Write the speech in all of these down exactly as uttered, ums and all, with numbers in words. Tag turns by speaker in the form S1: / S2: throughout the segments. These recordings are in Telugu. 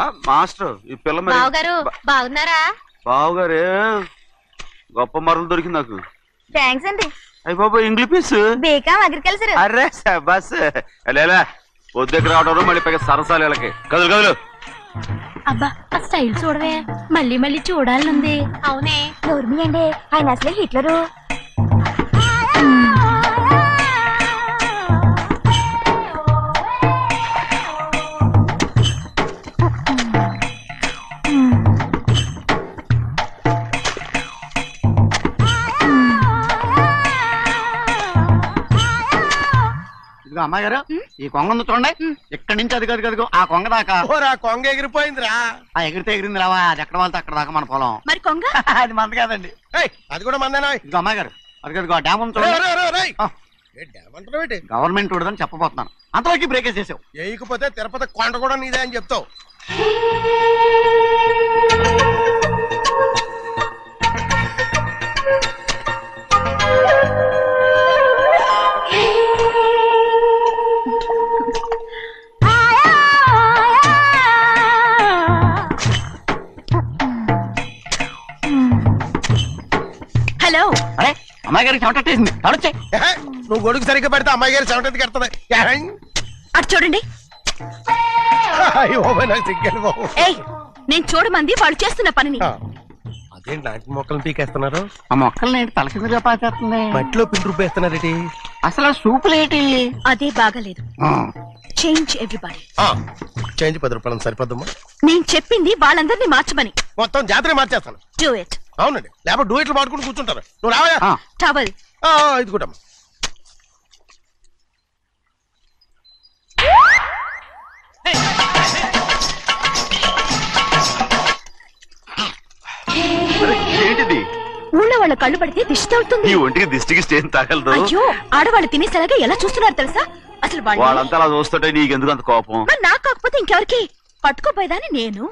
S1: మాస్టర్ ఈ పిల్ల మరి
S2: బావగారు బాగున్నారా?
S1: బావగారే గొప్ప మరలు దొరికింది నాకు.
S2: థ్యాంక్స్ అండి.
S1: అయ్యి బాబు ఇంగ్లీష్ పీస్
S2: బీకామ్ అగ్రికల్చర్.
S1: అరే బస్ లేలా పొద్దుకు రావడం మళ్ళీ పైగా సరసాలు వీళ్ళకి కదులు కదులు.
S2: అబ్బా ఆ స్టైల్ చూడవే, మళ్ళీ మళ్ళీ చూడాలనుంది. అవునే నోర్మి అండి, ఆయన అసలే హిట్లరు.
S3: అమ్మాయి గారు ఈ కొంగ ఉంది చూడండి, ఇక్కడి నుంచి అది కది కదుగు ఆ కొంగ దాకా.
S4: కొంగ ఎగిరిపోయిందిరా.
S3: ఆ ఎగిరితే ఎగిరింది రావా, అది ఎక్కడ వాళ్ళతో అక్కడ దాకా మన పొలం.
S2: మరి కొంగ
S3: అది మంద కాదండి,
S4: అది కూడా మందేనా.
S3: ఇదిగో అమ్మాయి గారు అది కదుగు ఆ డ్యామ్ ఉంది చూడండి. గవర్నమెంట్ ఉండదని చెప్పబోతున్నాను, అంతలోకి బ్రేక్ వేసేసావు.
S4: వేయకపోతే తిరుపతి కొండ కూడా నీదే అని చెప్తావు.
S2: హలో.
S3: అరే అమ్మాయి గారికి చెమటేసింది, తడొచ్చే.
S4: నువ్వు గొడుగు సరిగ్గా పెడితే అమ్మాయి గారి చెమటకి కడుతుంది.
S2: అటు చూడండి. ఏయ్, నేను చూడమంది వాళ్ళు చేస్తున్న పనిని.
S4: అదేంటి నాటి మొక్కలను పీకేస్తున్నారు?
S3: ఆ మొక్కల్ని ఏంటి తల కిందగా పాచేస్తుంది,
S4: మట్టిలో పిండి రూపేస్తున్నారేటి?
S3: అసలు సూపులేటి?
S2: అదే బాగలేదు. Change everybody.
S4: చేంజ్ పది రూపాయలు సరిపోద్దమ్మా.
S2: నేను చెప్పింది వాళ్ళందరినీ మార్చమని.
S4: మొత్తం జాతర మార్చేస్తాను.
S2: Do it.
S4: అవునండి, లేకపోతే డూ ఇట్లు మాడుకుంటూ కూర్చుంటారు. నువ్వు రావా?
S2: టవల్
S4: ఇది కూడా
S1: ఏంటిది?
S2: ఊళ్ళో వాళ్ళ కళ్ళు పడితే దిష్టి తగులుతుంది.
S1: ఈ ఒంటికి దిష్టికి స్టేన్ తగలదు.
S2: అయ్యో, ఆడవాళ్ళు తినేసేలాగా ఎలా చూస్తున్నారు తెలుసా? అసలు
S1: వాళ్ళంతా అలా చూస్తుంటే నీకెందుకు అంత కోపం?
S2: నాకు కాకపోతే ఇంకెవరికి? పట్టుకోపోయేదాన్ని నేను.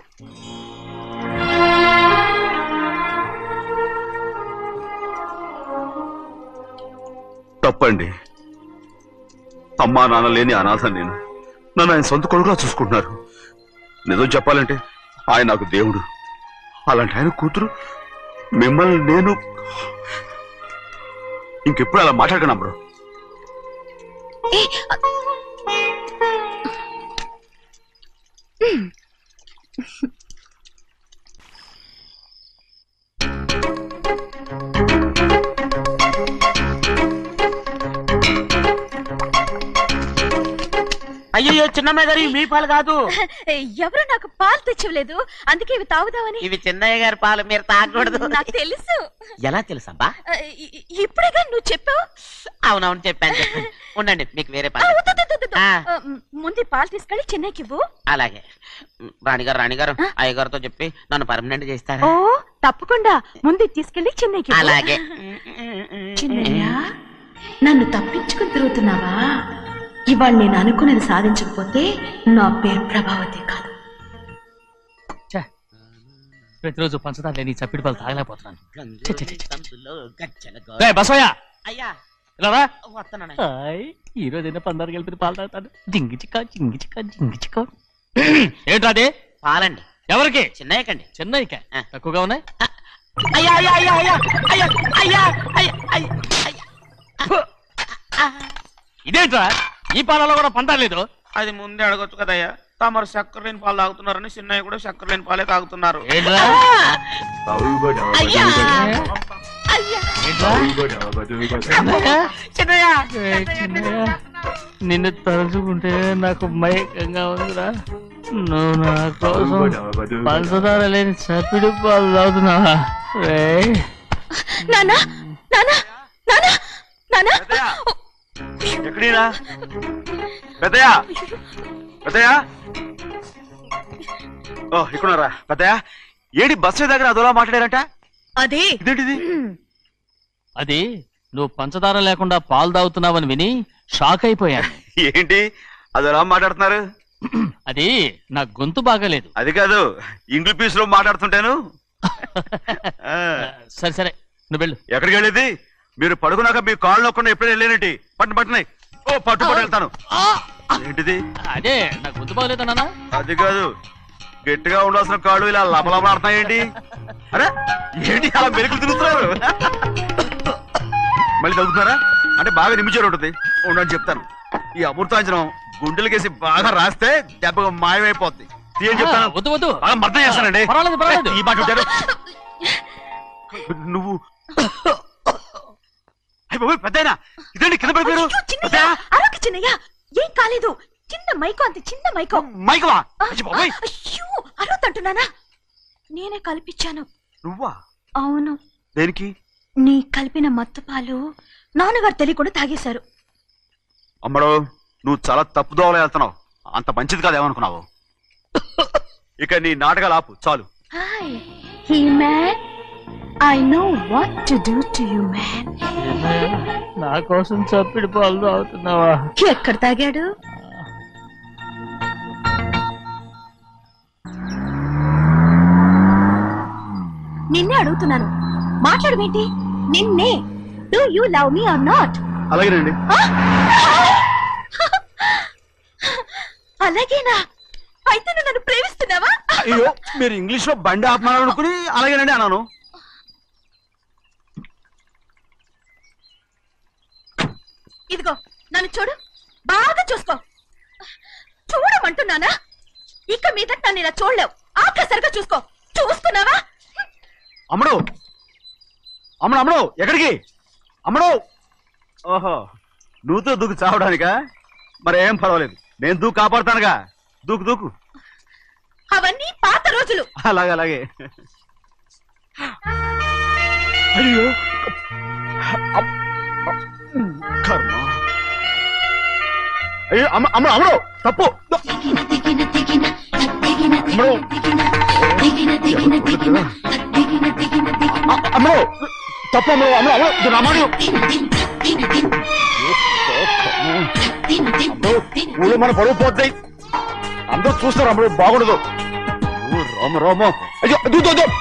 S1: తప్పండి. అమ్మా నాన్న లేని అనాథ నేను. నన్ను ఆయన సొంత కొడుకులా చూసుకుంటున్నారు. నిజం చెప్పాలంటే ఆయన నాకు దేవుడు. అలాంటి ఆయన కూతురు మిమ్మల్ని నేను ఇంకెప్పుడు అలా మాట్లాడకనా బ్రో?
S3: అయ్యో చిన్నమ్మాయి గారు, మీ పాలు కాదు.
S2: ఎవరు నాకు పాలు తెచ్చివ్వలేదు, అందుకే ఇవి తాగుదామని.
S3: ఇవి చిన్నయ్య గారి పాలు, మీరు తాగకూడదు.
S2: నాకు తెలుసు.
S3: ఎలా తెలుసబ్బా?
S2: ఇప్పుడేగా నువ్వు చెప్పావు.
S3: అవునవును చెప్పాను చెప్పాను. ఉండండి, మీకు వేరే పాలు.
S2: ముందు పాలు తీసుకెళ్ళి చిన్నకి ఇవ్వు.
S3: అలాగే. రాణిగారు రాణిగారు అయ్యగారితో చెప్పి నన్ను పర్మనెంట్ చేస్తారా?
S2: ఓ తప్పకుండా, ముందు తీసుకెళ్ళి చిన్నకి.
S3: అలాగే.
S2: చిన్నయ్య, నన్ను తప్పించుకుని తిరుగుతున్నావా? ఇవాళ నేను అనుకున్నది సాధించకపోతే నా పేరు ప్రభావతి కాదు.
S5: ప్రతిరోజు పంచదార లేని చప్పిడి పాలు తాగలేకపోతున్నాను. ఈ రోజైనా పందారు కలిపి పాలు తాగుతాను. జింగి చిక్క జింగి చిక్క జింగి చిక్క. ఏంట్రాది?
S3: పాలండి.
S5: ఎవరికి?
S3: చిన్నయ్యకండి.
S5: చిన్నయ్యక తక్కువగా ఉన్నాయి.
S3: అయ్యా అయ్యా అయ్యా అయ్యా అయ్యా అయ్యా అయ్యా అయ్యా.
S5: ఇదేంట్రా, ఈ పాలలో కూడా పంటలేదు?
S3: అది ముందే అడగొచ్చు కదయ్యా. తమరు చక్కెర లేని పాలు తాగుతున్నారని చిన్నయ్య కూడా చక్కెర లేని పాలే తాగుతున్నారు.
S5: నిన్ను తలుచుకుంటే నాకు మైకంగా ఉందిరా. నువ్వు నా కోసం పంచదార లేని చప్పిడి పాలు తాగుతున్నావా?
S2: నానా నానా నానా నానా
S1: ఎక్కడీనా పెద్దయా? పెద్దయా? ఓ ఇక్కడున్నారా పెద్దయా? ఏడి బస్సు దగ్గర అదోలా మాట్లాడారంట.
S2: అదే
S1: ఇదేంటిది?
S5: అది నువ్వు పంచదార లేకుండా పాలు తాగుతున్నావని విని షాక్ అయిపోయాను.
S1: ఏంటి అదోలా మాట్లాడుతున్నారు?
S5: అది నా గొంతు బాగాలేదు.
S1: అది కాదు, ఇంగ్లీష్ పీస్ లో మాట్లాడుతుంటాను.
S5: సరే సరే నువ్వు వెళ్ళు.
S1: ఎక్కడికి వెళ్ళేది? మీరు పడుకున్నాక మీ కాళ్ళు నొక్కకుండా ఎప్పుడైనా వెళ్ళేనటి పట్టు పట్టునాయి. ఓ పట్టు పట్టు వెళ్తాను. ఏంటిది?
S5: అదే నా గొంతు బాగలేదు నాన్న.
S1: అది కాదు, గట్టిగా ఉండాల్సిన కాళ్ళు ఇలా లపలపడుతున్నాయేంటి? అరే ఏంటి అలా మెరుకులు తిరుగుతున్నారు? మళ్ళీ తగ్గుతున్నారా? అంటే బాగా నిమిషాలు ఉంటుంది ఉండని చెప్తాను. ఈ అమృతాంజనం గుండెలకేసి బాగా రాస్తే దెబ్బగా మాయమైపోద్ది. తీయని చెప్తాను.
S5: వద్దు వద్దు
S1: బాగా మర్దం చేస్తానండి.
S5: పర్వాలేదు పర్వాలేదు.
S1: ఈ మాట ఉంటారు నువ్వు. పెద్దయినా ఇదండి కింద పడిపోయారు.
S2: అయ్యో, చిన్నయ్య, అరవకు చిన్నయ్య, ఏం కాలేదు. చిన్న మైకో, అంతే చిన్న మైకో.
S1: మైకవా?
S2: అయ్యో అరవతంటున్నానా? నేనే కల్పించాను.
S1: నువ్వా?
S2: అవును.
S1: దేనికి?
S2: నీ కలిపిన మత్తు పాలు నాన్నగారు తెలియకుండా తాగేశారు.
S1: అమ్మడో నువ్వు చాలా తప్పుదోవలో వెళ్తున్నావు. అంత మంచిది కాదేమనుకున్నావు? ఇక నీ నాటకాలు ఆపు చాలు.
S2: Hi he man, I know what to do to you man.
S5: నా కోసం చప్పిడి పాలు తాగుతున్నావా?
S2: ఎక్కడ తాగాడు? నిన్నే అడుగుతున్నాను, మాట్లాడమేంటి? నిన్నే. Do you love me or not?
S1: అలాగేనండి.
S2: అలాగేనా? అయితే నువ్వు నన్ను ప్రేమిస్తున్నావా?
S1: అయ్యో మీరు ఇంగ్లీష్ లో బండి ఆపమాలనుకుని అలాగేనండి అన్నాను.
S2: ఇదిగో నన్ను చూడు, బాగా చూసుకో. చూడమంటున్నానా? ఇక మీద నన్ను ఇలా చూడలేవు. ఆఖసరిగా చూసుకో. చూసుకున్నావా?
S1: అమ్మడు అమ్మడు అమ్మడు ఎక్కడికి? అమ్మడు. ఓహో నువ్వుతో దూకు చావడానికా? మరి ఏం పర్వాలేదు, నేను దూకు కాపాడుతానుగా. దూకు దూకు.
S2: అవన్నీ పాత రోజులు.
S1: అలాగే అలాగే. అయ్యో అమ్- కర్మ. అయ్యో అమ్మ అమ్మ అమ్మడు తప్పు. అమ్మడు. అ- అమ్మడు తప్పు. అమ్మడు అమ్మడు అమ్మడు ఇది నా మాట. అమ్మడు ఊళ్ళో మన పరువు పోతాయి. అందరూ చూస్తారు. అమ్మడు బాగుండదు. ఓ రామ రామ. అయ్యో దూ దూ దూ.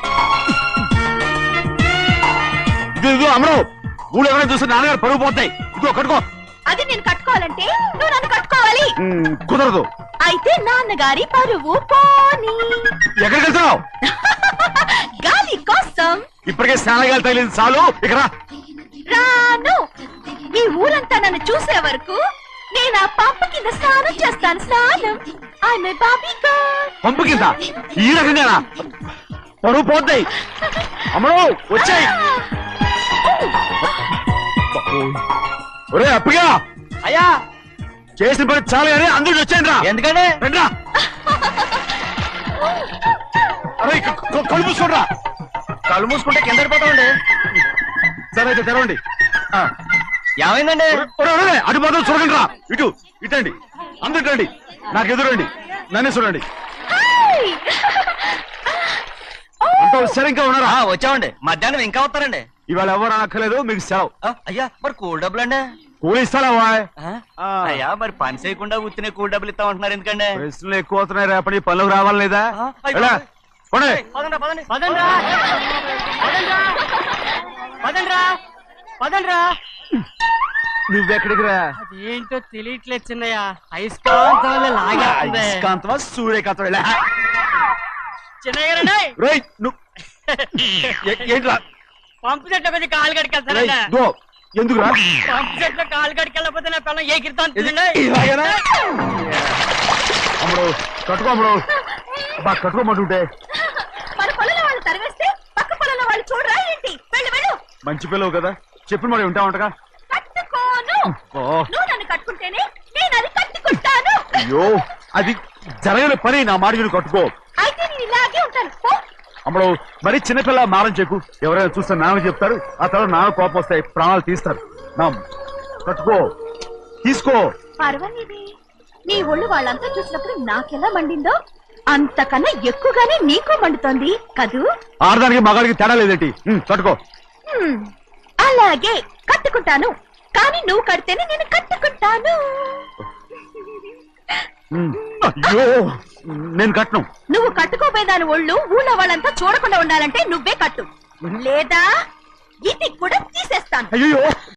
S1: ఇది ఇదిగో అమ్మడు ఊళ్ళో ఎవరైనా చూస్తే నాన్నగారు పరువు పోతాయి. ఇదిగో కట్టుకో.
S2: అది నేను కట్టుకోవాలంటే నువ్వు నన్ను కట్టుకోవాలి.
S1: ఉమ్, కుదరదు.
S2: అయితే నాన్నగారి పరువు పోనీ.
S1: ఎక్కడికి వెళ్తున్నావు?
S2: గాలి కోసం.
S1: ఇప్పటికే స్నానగాలు తగిలింది చాలు. ఇక్కడ రా.
S2: రాను. ఈ ఊరంతా నన్ను చూసే వరకు నేను ఆ పంప కింద స్నానం చేస్తాను. స్నానం. ఐఎమ్ ఏ బాబీ గర్ల్.
S1: పంపు కింద ఈ రకంగా పరువు పోతాయి. అమ్మడు వచ్చాయి. ఒరే అప్పగా
S5: అయ్యా
S1: చేసిన పని చాలు కానీ అందరికి వచ్చాను రా.
S5: ఎందుకంటే
S1: రండిరా. అరే క- క- కళ్ళు మూసుకోండిరా.
S5: కళ్ళు మూసుకుంటే కింద పడిపోతామండి.
S1: సరే అయితే తెరవండి. ఆ.
S5: ఏమైందండి?
S1: ఒరే, ఒరే, ఒరే, అటు మాత్రం చూడండి రా. ఇటు ఇటండి. అందరు రండి. నాకు ఎదురండి. నన్నే చూడండి.
S2: హాయ్.
S1: అంత సరిగ్గా ఉన్నారా?
S5: ఆ, వచ్చామండి. మధ్యాహ్నం ఇంకా వస్తారండి.
S1: ఇవాళ ఎవరు అనక్కర్లేదు, మీకు సెలవు.
S5: ఆ, అయ్యా మరి కూల్ డబ్బులు అండి?
S1: కూలి ఇస్తారా వాయ్? ఆ.
S5: అయ్యా మరి పని చేయకుండా ఉత్తినే కూల్ డబ్బులు ఇస్తామంటున్నారు ఎందుకండి?
S1: ప్రశ్నలు ఎక్కువ అవుతున్నాయి. రేపటి పనులకు రావాలి లేదా?
S5: ఆ, అయ్యో.
S1: వెళ్ళా. పోనీ.
S5: పదండ్రా, పదండి. పదండ్రా. పదండ్రా. పదండ్రా. పదండ్రా.
S1: నువ్వెక్కడికి రా?
S5: అదేంటో తెలియట్లేదు చిన్నయ్య. అయస్కాంతం వల్ల లాగేస్తుంది.
S1: అయస్కాంతమా సూర్యకాంతం? వెళ్ళా.
S5: చిన్నయ్య గారండి,
S1: రేయ్, నువ్వు ఏ- ఏంట్రా?
S5: పంపు చెట్ల మీద కాలు
S1: రేయ్,
S5: కడికెళ్తానండి.
S1: దో. ఎందుకురా?
S5: పంపు చెట్ల కాలు కడికెళ్ళకపోతే నా పిల్లలు ఏ కిర్తాను
S1: ఇది- ఇలాగేనా? అమ్ముడు కట్టుకో. అమ్ముడు బా కట్టుకోమంటుంటే.
S2: మన పొలంలో వాళ్ళు తరివేస్తే పక్క పొలంలో వాళ్ళు చూడరా ఏంటి? వెళ్ళు వెళ్ళు.
S1: మంచి పిల్లవు కదా, చెప్పిన మరి ఉంటా ఉంటగా.
S2: కట్టుకోను.
S1: ఓ
S2: నువ్వు నన్ను కట్టుకుంటేనే నేను అది కట్టుకుంటాను.
S1: అయ్యో అది జరగని పని. నా మాట మీరు కట్టుకో.
S2: అయితే నేను ఇలాగే ఉంటాను. పో.
S1: అమ్మడు మరి చిన్నపిల్ల మారం చెక్కు. ఎవరైనా చూస్తే నాన్న చెప్తారు. ఆ తర్వాత నాన్న కోపం వస్తాయి, ప్రాణాలు తీస్తారు. నా కట్టుకో, తీసుకో.
S2: పర్వాలేదే, నీ ఒళ్ళు వాళ్ళంతా చూసినప్పుడు నాకెలా మండిందో అంతకన్నా ఎక్కువగానే నీకు మండుతోంది కదూ?
S1: ఆడదానికి మగాడికి తేడా లేదేంటి? ఉమ్, కట్టుకో.
S2: హ్మ్, అలాగే కట్టుకుంటాను. కానీ నువ్వు కడితేనే నేను కట్టుకుంటాను.
S1: ఉమ్, అయ్యో నేను కట్టను.
S2: నువ్వు కట్టుకోపోయేదాని ఒళ్ళు ఊళ్ళో వాళ్ళంతా చూడకుండా ఉండాలంటే నువ్వే కట్టు, లేదా ఇది కూడా తీసేస్తాను.
S1: అయ్యో